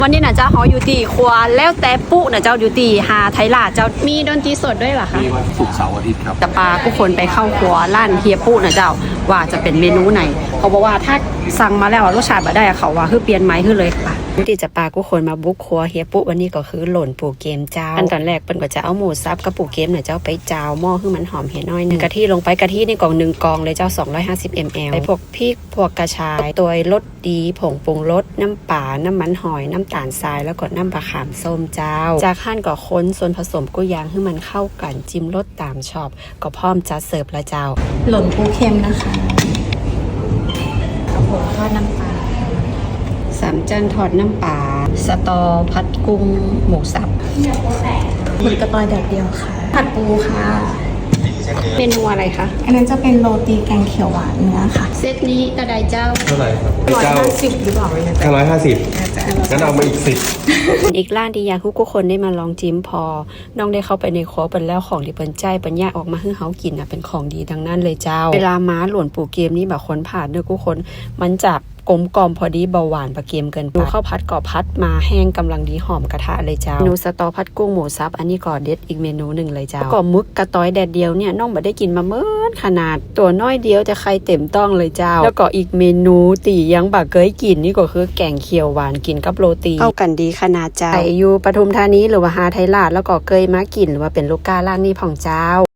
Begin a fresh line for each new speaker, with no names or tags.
วันนี้นะเจ้าเขาอยู่ที่ครัวแล้วแต่ปุ๊นะเจ้าอยู่ที่หาไทยลาดเจ้ามีดนตรีสดด้วยเหรอคะ
มีวันศุกร์เสาร์อาทิตย์ครับ
จะพาผู้คนไปเข้าครัวร้านเฮียปุ๊นะเจ้าว่าจะเป็นเมนูไหนเขาบอกว่าถ้าสั่งมาแล้วรสชาติแบบได้เขาว่าคือเปลี่ยนไหมคือเลยค่ะที่จะพาผู้คนมาบุกครัวเฮียปุ๊วันนี้ก็คือหล่นปูเกมเจ้าขั้นตอนแรกเปิ้นก็จะเอาหมูสับกับปูเกมเนี่ยเจ้าไปจาวหม้อให้มันหอมเห็นน้อยนึงกะทิลงไปกะทินี่กล่อง1 กล่องเลยเจ้า250 ml ไปพวกพริกพวกกระชายตัวรสดีผงปรุงรสน้ำปลาน้ำมันหอยน้ำตาลทรายแล้วก็น้ำปลาขามส้มเจ้าจากขั้นก็ค้นส่วนผสมกุ้ยยางให้มันเข้ากันจิ้มรสตามชอบก็พร้อมจะเสิร์ฟละเจ้า
หล่นปูเค็มนะคะกระผมทอดน้ำปลา
3 จานทอดน้ำปลาสตอผัดกุ้งหมูสับ
หมึกกระตอยแดดเดียวค่ะผัดปูค่ะ
เมนูอะไรคะ
อันนั้นจะเป็นโรตีแกงเขียวหวานเนื้อค่ะ
เซตนี้กระไดเจ้า
เท่าไหร่ครับ
150หรือเปล่า
150งั้นเอามาอีก10
อีกร้านที่อยากให้ทุกคนได้มาลองจิ้มพอน้องได้เข้าไปในครัวเป็นแล้วของที่เปิ้นใจปัญญาออกมาให้เฮากินเป็นของดีดังนั้นเลยเจ้าเวลาม้าหล่นปูเกมนี้แบบคนผ่านเด้อทุกคนมันจะกลมกล่อมพอดีเบาหวานปลาเกมเกินไปดูข้าวผัดก็พัดมาแห้งกำลังดีหอมกระทะเลยเจ้าเมนูสตอผัดกุ้งหมูสับอันนี้ก็เด็ดอีกเมนูหนึ่งเลยเจ้าก็มึกกระต้อยแดดเดียวเนี่ยน้องบ่ได้กินมาเมื่อขนาดตัวน้อยเดียวแต่ไข่เต็มต้องเลยเจ้าแล้วก็อีกเมนูตียังบ่เคยกินนี่ก็คือแกงเขียวหวานกินกับโรตีเข้ากันดีขนาดเจ้าอยู่ปทุมธานีหรือว่าหาไทยราชแล้วก็เคยมากินหรือว่าเป็นลูกค้าร้านนี้ของเจ้า